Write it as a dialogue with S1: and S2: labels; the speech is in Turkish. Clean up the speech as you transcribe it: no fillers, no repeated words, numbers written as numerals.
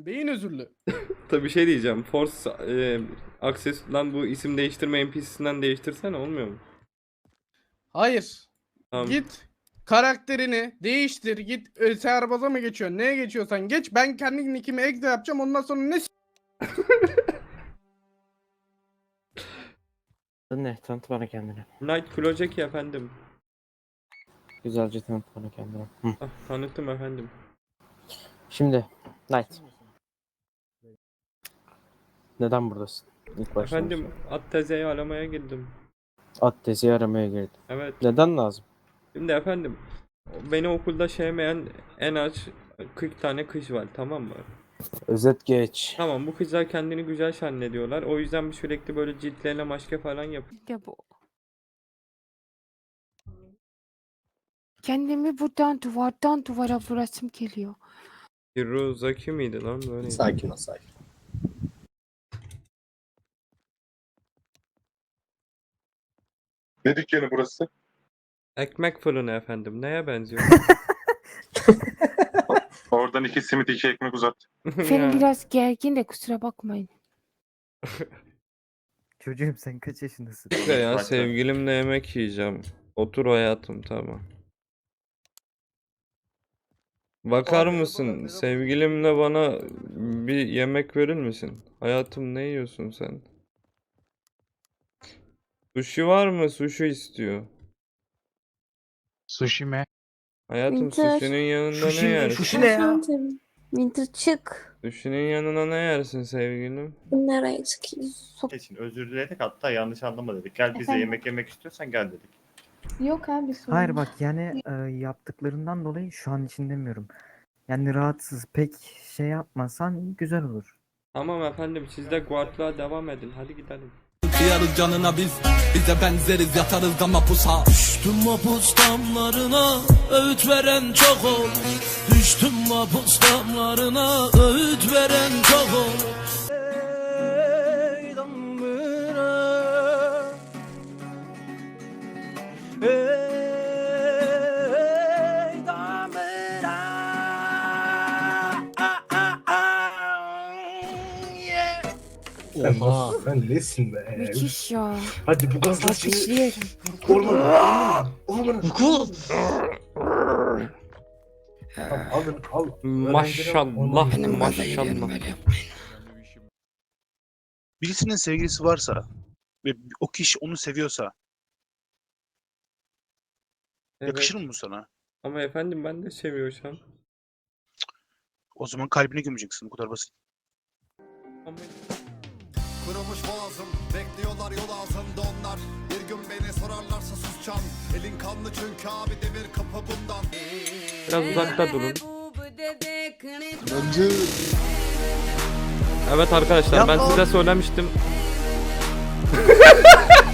S1: Beyin özürlü.
S2: Tabii şey diyeceğim. Force Access'dan bu isim değiştirme NPC'sinden değiştirsene, olmuyor mu?
S1: Hayır.
S2: Tamam.
S1: Git karakterini değiştir. Git serbaza mı geçiyorsun? Neye geçiyorsan geç. Ben kendi nickimi exe yapacağım. Ondan sonra ne
S3: Ne? Tanıt bana kendini.
S2: Knight Klojeki efendim.
S3: Güzelce tanıt bana kendini. Hı.
S2: Ah, tanıttım efendim.
S3: Şimdi Knight. Neden buradasın? İlk başta
S2: Efendim at tezeyi aramaya girdim.
S3: at tezi aramaya girdim.
S2: Evet.
S3: Neden lazım?
S2: Şimdi efendim beni okulda sevmeyen en az 40 tane kız var, tamam mı?
S3: Özet geç.
S2: Tamam, bu kızlar kendini güzel zannediyorlar. O yüzden sürekli böyle ciltlerine maske falan
S4: Ya bu. Kendimi buradan duvardan duvara vurasım geliyor.
S2: Hirozaki miydi lan böyle?
S5: Sakin ol sakin.
S6: Ne dükkanı burası?
S2: Ekmek fırını efendim. Neye benziyor?
S6: Oradan 2 simit 2 ekmek uzat.
S4: Benim
S2: Ya,
S4: biraz gergin de kusura bakmayın.
S7: Çocuğum sen kaç yaşındasın?
S2: işte ya sevgilimle yemek yiyeceğim. Otur hayatım, tamam. Bakar mısın? Sevgilimle bana bir yemek verir misin? Hayatım, ne yiyorsun sen? Sushi var mı? Sushi istiyor.
S8: Sushi mi?
S2: Hayatım,
S9: Winter.
S2: sushi'nin yanında
S7: Sushi
S2: ne
S7: mi?
S2: yersin?
S7: Sushi ne ya?
S9: Winter çık.
S2: Sushi'nin yanına ne yersin sevgilim?
S9: Nereye çıkayım?
S5: için özür diledik, hatta yanlış anlama dedik. Gel bize
S9: Efendim?
S5: yemek yemek istiyorsan gel dedik.
S9: Yok abi sorun.
S7: Hayır bak yani yaptıklarından dolayı şu an için demiyorum. Yani rahatsız pek şey yapmasan güzel olur.
S2: Tamam efendim, siz de guardlığa devam edin. Hadi gidelim.
S10: Kıyarız canına biz, bize benzeriz, yatarız da mapusa. Düştüm mapus damlarına, öğüt veren çok ol. Düştüm mapus damlarına, öğüt veren çok ol. Ey damlara, ey damlara.
S5: Oha. Sen nesin be?
S4: Müthiş ya.
S5: Hadi bu gazla şimdi
S4: Alkışlıyorum.
S5: ormana. Alın al.
S2: Maşallah, maşallah.
S8: Birisinin sevgilisi varsa ve o kişi onu seviyorsa
S2: Evet.
S8: yakışır mı bu sana?
S2: Ama efendim ben de seviyorsam.
S8: O zaman kalbine gömeceksin, bu kadar basit.
S2: Ama
S10: Kurumuş boğazım, bekliyorlar yol ağzında onlar. Bir gün beni sorarlarsa susacağım. Elin kanlı çünkü abi, demir kapı bundan.
S2: biraz uzakta durun. Evet arkadaşlar, ben size söylemiştim.